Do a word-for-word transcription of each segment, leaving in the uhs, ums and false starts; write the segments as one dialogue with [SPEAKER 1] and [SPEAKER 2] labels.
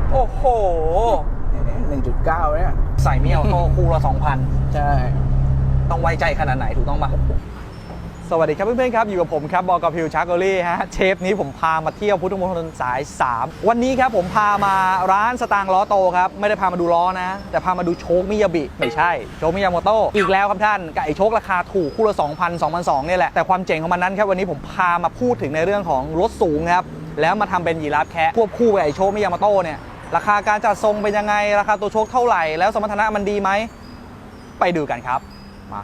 [SPEAKER 1] โอ้โห
[SPEAKER 2] หนึ่งจุดเก้าเนี่ย
[SPEAKER 1] ใส่มีออโต้คู่ละสองพัน
[SPEAKER 2] ใช่
[SPEAKER 1] ต้องไว้ใจขนาดไหนถูกต้องปะสวัสดีครับเพื่อนๆครับอยู่กับผมครับบอกกับพิวชาร์กอรี่ฮะเชฟนี้ผมพามาเที่ยวพุทธมณฑลสายสามวันนี้ครับผมพามาร้านสตางค์ล้อโตครับไม่ได้พามาดูล้อนะแต่พามาดูโชคมิยาบิไม่ใช่โชคมิยาโมโตอีกแล้วครับท่านกับไอโชคราคาถูกคู่ละ สองพัน สองพันสองร้อย เนี่ยแหละแต่ความเจ๋งของมันนั้นครับวันนี้ผมพามาพูดถึงในเรื่องของรถสูงครับแล้วมาทำเป็นยีราฟแคะควบคู่กับไอโชคมิยาโมโตเนี่ยราคาการจัดทรงเป็นยังไงราคาตัวโชคเท่าไหร่แล้วสมรรถนะมันดีไหมไปดูกันครับมา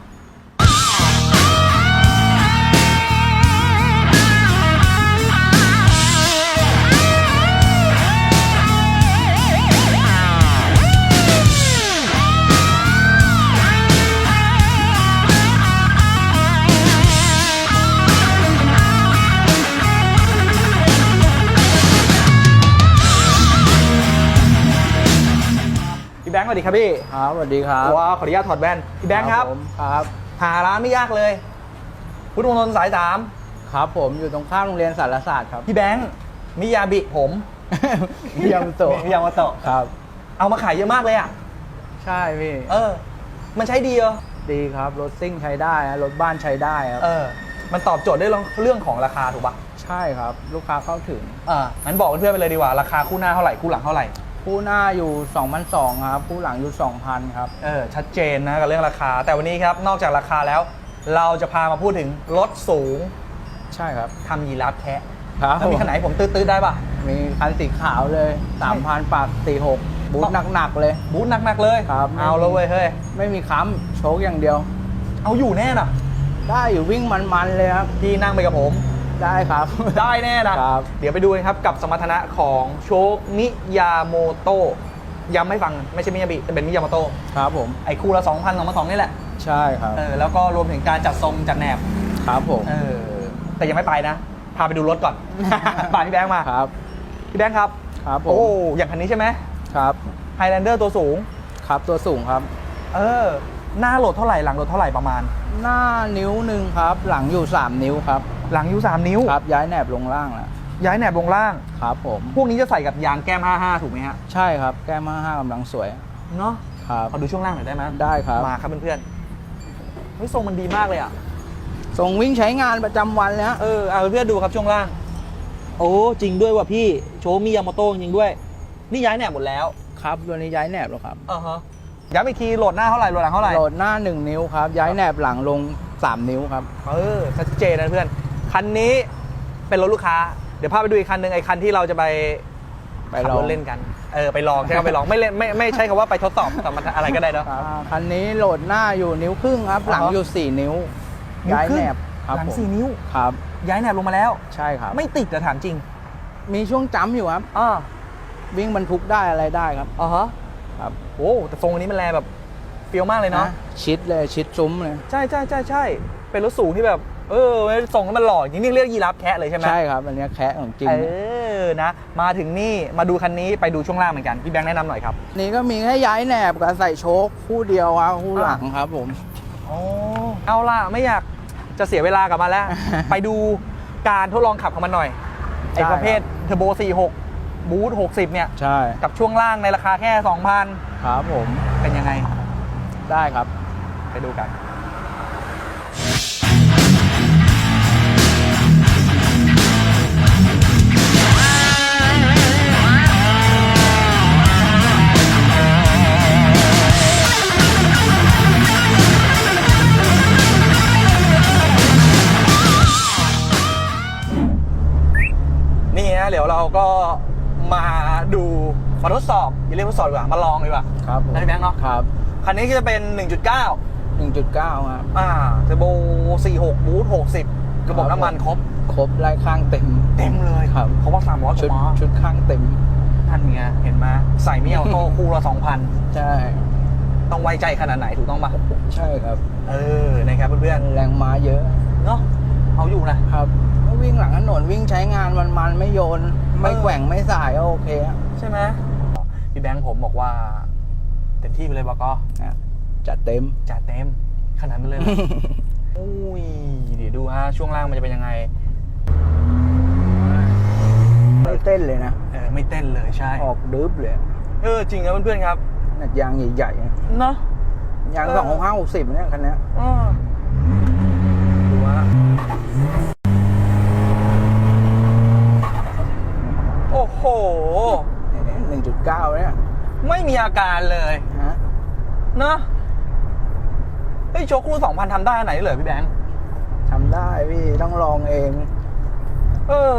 [SPEAKER 1] พี่แบงค์สวัสดีครับพี่
[SPEAKER 2] ครับสวัสดีครับ
[SPEAKER 1] ว้าวขออนุญาตถอดแว่นพี่แบงค์ครับ
[SPEAKER 2] ครับ
[SPEAKER 1] หาร้านไม่ยากเลยพุทธมณฑลสายสาม
[SPEAKER 2] ครับผมอยู่ตรงข้ามโรงเรียนสารศาสตร์ครับ
[SPEAKER 1] พี่แบงค์มิยาบิผม
[SPEAKER 2] มิยาโมโตะ
[SPEAKER 1] มิยาโมโตะ
[SPEAKER 2] ครับ
[SPEAKER 1] เอามาขายเยอะมากเลยอ่ะ
[SPEAKER 2] ใช่พี่
[SPEAKER 1] เออมันใช้ดีเหรอ
[SPEAKER 2] ดีครับรถซิ่งใช้ได้นะรถบ้านใช้ได้ครับ
[SPEAKER 1] เออมันตอบโจทย์ได้เรื่องของราคาถูกปะ
[SPEAKER 2] ใช่ครับลูกค้าเข้าถึง
[SPEAKER 1] อ่างั้นบอกเพื่อนๆไปเลยดีกว่าราคาคู่หน้าเท่าไหร่คู่หลังเท่าไหร่
[SPEAKER 2] คู่หน้าอยู่ สองพันสองร้อย ครับคู่หลังอยู่ สองพัน ครับ
[SPEAKER 1] เออชัดเจนนะกับเรื่องราคาแต่วันนี้ครับนอกจากราคาแล้วเราจะพามาพูดถึงรถสูง
[SPEAKER 2] ใช่ครับ
[SPEAKER 1] ทำยีราฟแคะ
[SPEAKER 2] ครับ
[SPEAKER 1] แล้วมีคันไหนผมตื้อๆได้ปะ
[SPEAKER 2] มีคันสีขาวเลย สามพัน ปากสี่หกบูทหนักๆเลย
[SPEAKER 1] บูทหนักๆเลย
[SPEAKER 2] ครับ
[SPEAKER 1] เอาแล้วเว้ยเฮ้ย
[SPEAKER 2] ไม่มีค้ำโชคอย่างเดียว
[SPEAKER 1] เอาอยู่แน่น่ะ
[SPEAKER 2] ได้อยู่วิ่งมันๆเลยครับ
[SPEAKER 1] พี่นั่งไปกับผม
[SPEAKER 2] ได้ครับ
[SPEAKER 1] ได้แน่นะครับเดี๋ยวไปดูกันครับกับสมรรถนะของโชคมิยาโมโตะย้ำให้ฟังไม่ใช่มิยาบิแต่เป็นมิยาโมโตะ
[SPEAKER 2] ครับผม
[SPEAKER 1] ไอ้คู่ละ สองพัน สองพันสองร้อย นี่แหละ
[SPEAKER 2] ใช่ครับ
[SPEAKER 1] เออแล้วก็รวมถึงการจัดทรงจัดแหนบ
[SPEAKER 2] ครับผม
[SPEAKER 1] เออแต่ยังไม่ไปนะพาไปดูรถก่อน พาพี่แบงค์มา
[SPEAKER 2] ครับ
[SPEAKER 1] พี่แบงค์ครับ
[SPEAKER 2] ครับผม
[SPEAKER 1] โอ้อย่างคันนี้ใช่ไหม
[SPEAKER 2] ครับ
[SPEAKER 1] ไฮแลนเดอร์ตัวสูง
[SPEAKER 2] ครับตัวสูงครับ
[SPEAKER 1] เออหน้าโหลดเท่าไหร่หลังโหลดเท่าไหร่ประมาณ
[SPEAKER 2] หน้านิ้วหนึ่งครับหลังอยู่สามนิ้วครับ
[SPEAKER 1] หลังอยู่สามนิ้ว
[SPEAKER 2] ครับย้ายแหนบลงล่างแล้ว
[SPEAKER 1] ย้ายแหนบลงล่าง
[SPEAKER 2] ครับผม
[SPEAKER 1] พวกนี้จะใส่กับยางแก้มห้าสิบห้าถูกไหมฮะ
[SPEAKER 2] ใช่ครับแก้มห้าสิบห้ากำลังสวย
[SPEAKER 1] เนาะ
[SPEAKER 2] ครับ
[SPEAKER 1] ขอดูช่วงล่างหน่อยได้ไหม
[SPEAKER 2] ได้ครับ
[SPEAKER 1] มาครับเพื่อนๆเฮ้ยทรงมันดีมากเลยอ่ะ
[SPEAKER 2] ทรงวิ่งใช้งานประจำวันแล้ว
[SPEAKER 1] เออเอาเพื่อนดูครับช่วงล่างโอ้จริงด้วยว่ะพี่โชมิยาโมโตะจริงด้วยนี่ย้ายแหนบหมดแล้ว
[SPEAKER 2] ครับตัวนี้ย้ายแหนบแล้วครับ
[SPEAKER 1] อ่าฮะย้ำอีกทีโหลดหน้าเท่าไหร่โหลดหลังเท่าไหร่
[SPEAKER 2] โหลดหน้าหนึ่งนิ้วครับย้ายแหนบหลังลงสามนิ้วครับ
[SPEAKER 1] เออชัดเจนนะเพื่อนคันนี้เป็นรถลูกค้าเดี๋ยวพาไปดูอีกคันหนึ่งไอ้คันที่เราจะไป
[SPEAKER 2] ไปลอง
[SPEAKER 1] เล่นกันเออไปลองใช่ไหมไปลองไม่เล่นไม่ไม่ใช่คำว่าไปทดสอบแต่มันอะไรก็ได้เนาะ
[SPEAKER 2] คันนี้โหลดหน้าอยู่นิ้วครึ่งครับหลังอยู่สี่นิ้วย้ายแหนบ
[SPEAKER 1] หลังสี่นิ้ว
[SPEAKER 2] ครับ
[SPEAKER 1] ย้ายแหนบลงมาแล้ว
[SPEAKER 2] ใช่ครับ
[SPEAKER 1] ไม่ติดแต่ถามจริง
[SPEAKER 2] มีช่วงจ้ำอยู่ครับ
[SPEAKER 1] อ่า
[SPEAKER 2] วิ่งบรรทุกได้อะไรได้ครับ
[SPEAKER 1] อ๋อฮะ
[SPEAKER 2] ครับ
[SPEAKER 1] โอ้แต่ทรงอันนี้มันแรงแบบเฟี้ยวมากเลยเนาะ
[SPEAKER 2] ชิดเลยชิดซุ้มเลย
[SPEAKER 1] ใช่ใช่ใช่ใช่เป็นรถสูงที่แบบเออทรงมันหล่อจริงนี่เรียกยีราฟแคะเลยใช่ไหม
[SPEAKER 2] ใช่ครับอันนี้แคะของจริง
[SPEAKER 1] เออนะมาถึงนี่มาดูคันนี้ไปดูช่วงล่างเหมือนกันพี่แบงค์แนะนำหน่อยครับ
[SPEAKER 2] นี่ก็มีแค่ย้ายแหนบกับใส่โชคคู่เดียวครับคู่หลังครับผม
[SPEAKER 1] โอ้เอาล่ะไม่อยากจะเสียเวลากับมันแล้ว ไปดูการทดลองขับของมันหน่อยไอ้ประเภทเทอร์โบสี่สิบหกบูทหกสิบเนี่ย
[SPEAKER 2] ใช่
[SPEAKER 1] กับช่วงล่างในราคาแค่ สองพัน
[SPEAKER 2] ครับผม
[SPEAKER 1] เป็นยังไง
[SPEAKER 2] ได้ครับ
[SPEAKER 1] ไปดูกันนี่ฮะเดี๋ยวเราก็มาดูมาทดสอบอย่าเรียกทดสอบดีกว่ามาลองดีกว่า
[SPEAKER 2] ครับ
[SPEAKER 1] ได้แบงค์เนาะ
[SPEAKER 2] ครับ
[SPEAKER 1] คันนี้ก็จะเป็น หนึ่งจุดเก้า
[SPEAKER 2] หนึ่งจุดเก้า ครับ
[SPEAKER 1] อ่าเทอร์โบสี่สิบหกบูทหกสิบกระบอกน้ำมันครบ
[SPEAKER 2] ครบไล่ข้างเต็ม
[SPEAKER 1] เต็มเลย
[SPEAKER 2] ครับ
[SPEAKER 1] เพราะว่าสามร้อย
[SPEAKER 2] ชุด
[SPEAKER 1] กว่า
[SPEAKER 2] ชุดข้างเต็ม
[SPEAKER 1] ท่านเนี้ยเห็นไหมใส่มิยาโมโตะคู่ละ สองพัน
[SPEAKER 2] ใช่
[SPEAKER 1] ต้องไว้ใจขนาดไหนถูกต้องปะ
[SPEAKER 2] ใช่ครับ
[SPEAKER 1] เออนะครับเพื่อน
[SPEAKER 2] ๆแรงม้าเยอะ
[SPEAKER 1] เนาะเอาอยู่นะครับ
[SPEAKER 2] วิ่งหลังถนนวิ่งใช้งานมันมันไม่โยนไม่แกว่งไม่สายก็โอเค
[SPEAKER 1] ใช่ไหมพี่แบงค์ผมบอกว่าเต็มที่ไปเลยบอกก็
[SPEAKER 2] จัดเต็ม
[SPEAKER 1] จัดเต็มขนาดนั้นเลย อุ้ยเดี๋ยวดูฮะช่วงล่างมันจะเป็นยังไง
[SPEAKER 2] ไม่เต้นเลยนะ
[SPEAKER 1] เออไม่เต้นเลยใช่
[SPEAKER 2] ออกดึบเลย
[SPEAKER 1] เออจริงครับเพื่อนๆครับ
[SPEAKER 2] นัดยางใหญ่ๆนะ
[SPEAKER 1] เนาะ
[SPEAKER 2] ยาง
[SPEAKER 1] เออ
[SPEAKER 2] สองหกห้าหกสิบเนี่ยคันเนี้ย
[SPEAKER 1] อ่าดูฮะโอ้โห
[SPEAKER 2] หนึ่งจุดเก้าเนี่ย
[SPEAKER 1] ไม่มีอาการเลย
[SPEAKER 2] ฮะ
[SPEAKER 1] เนาะเฮ้ยโชครุ่นสองพันทำได้อันไหนเลยพี่แบงค์
[SPEAKER 2] ทำได้พี่ต้องลองเอง
[SPEAKER 1] เออ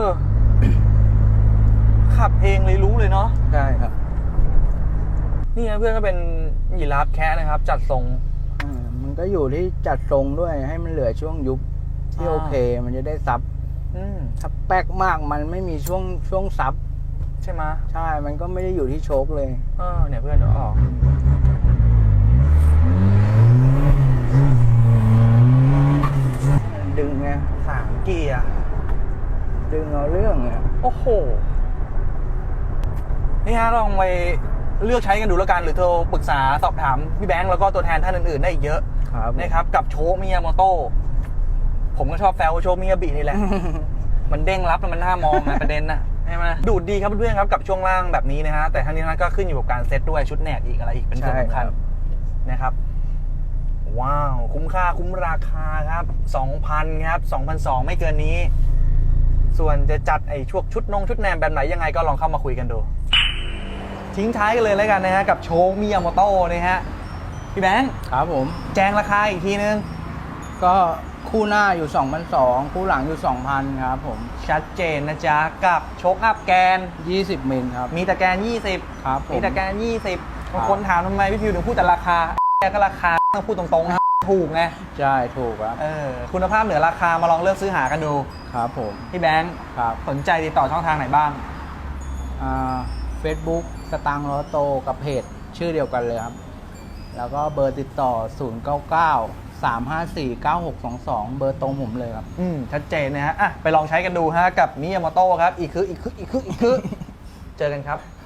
[SPEAKER 1] ขับเองเลยรู้เลยเนาะ
[SPEAKER 2] ใช่ครับ
[SPEAKER 1] นี่นะเพื่อนก็เป็นยีราฟแคะนะครับ จัดทรง
[SPEAKER 2] อ่ามันก็อยู่ที่จัดทรงด้วยให้มันเหลือช่วงยุบที่
[SPEAKER 1] อ่า
[SPEAKER 2] โอเค มันจะได้ซับ
[SPEAKER 1] อืม
[SPEAKER 2] ถ้าแป๊กมากมันไม่มีช่วงช่วงซับ
[SPEAKER 1] ใช่ไหมย
[SPEAKER 2] ใช่ มันก็ไม่ได้อยู่ที่โชคเลย
[SPEAKER 1] เออเนี่ยเพื่อนเดี๋ยวออก
[SPEAKER 2] ดึงไง
[SPEAKER 1] สามเกียร์
[SPEAKER 2] ดึงเอาเรื่องเนี่ย
[SPEAKER 1] โอ้โห นี่ฮะลองไปเลือกใช้กันดูแล้วกัน หรือโทรปรึกษาสอบถามพี่แบงค์แล้วก็ตัวแทนท่านอื่นๆได้อีกเยอะ
[SPEAKER 2] ครับ
[SPEAKER 1] นะครับ กับโชคมิยาโมโต้ผมก็ชอบแซวโชคมิยาบินี่แหละ มันเด้งรับแล้วมันน่ามองนะ ประเด็นนะใช่ไหมดูดดีครับเพื่อนๆครับกับช่วงล่างแบบนี้นะฮะแต่ทั้งนี้ทั้งนั้นก็ขึ้นอยู่กับการเซตด้วยชุดแหนกอีกอะไรอีกเป็นส่วนสำคัญนะครับ ว้าว คุ้มค่าคุ้มราคาครับ สองพัน ครับ สองพันสองร้อย ไม่เกินนี้ ส่วนจะจัดไอ้ช่วงชุดนงชุดแนมแบบไหนยังไงก็ลองเข้ามาคุยกันดู ทิ้งท้ายกันเลยแล้วกันนะฮะกับโชคมิยาโมโต้นะฮะพี่แบงค์
[SPEAKER 2] ครับผม
[SPEAKER 1] แจ้งราคาอีกทีนึง
[SPEAKER 2] ก็คู่หน้าอยู่สองพันสองคู่หลังอยู่สองพันครับผม
[SPEAKER 1] ชัดเจนนะจ๊ะกับโชคอัพแกน
[SPEAKER 2] ยี่สิบมิลครับ
[SPEAKER 1] มีตะแกนยี่สิบ
[SPEAKER 2] ครับผม
[SPEAKER 1] มีตะแกนยี่สิบ
[SPEAKER 2] ครับ
[SPEAKER 1] บางคนถามทำไมพี่พิวถึงพูดแต่ราคาแกก็ราคาต้องพูดตรงๆนะถูกไง
[SPEAKER 2] ใช่ถูกครับ
[SPEAKER 1] เออคุณภาพเหนือราคามาลองเลือกซื้อหากันดู
[SPEAKER 2] ครับผม
[SPEAKER 1] พี่แบงค์
[SPEAKER 2] ครับ
[SPEAKER 1] สนใจติดต่อช่องทางไหนบ้าง
[SPEAKER 2] อ่าเฟซบุ๊กสตางค์ล้อโตกับเพจชื่อเดียวกันเลยครับ แล้วก็เบอร์ติดต่อ ศูนย์ เก้า เก้า สาม ห้า สี่ เก้า หก สอง สอง เบอร์ตรงผมเลยครับ
[SPEAKER 1] อืมชัดเจนนะฮะอ่ะไปลองใช้กันดูฮะกับมิยาโมโต้ครับ อีกคืออีกคืออีกคืออีกคือ เจอกันครับ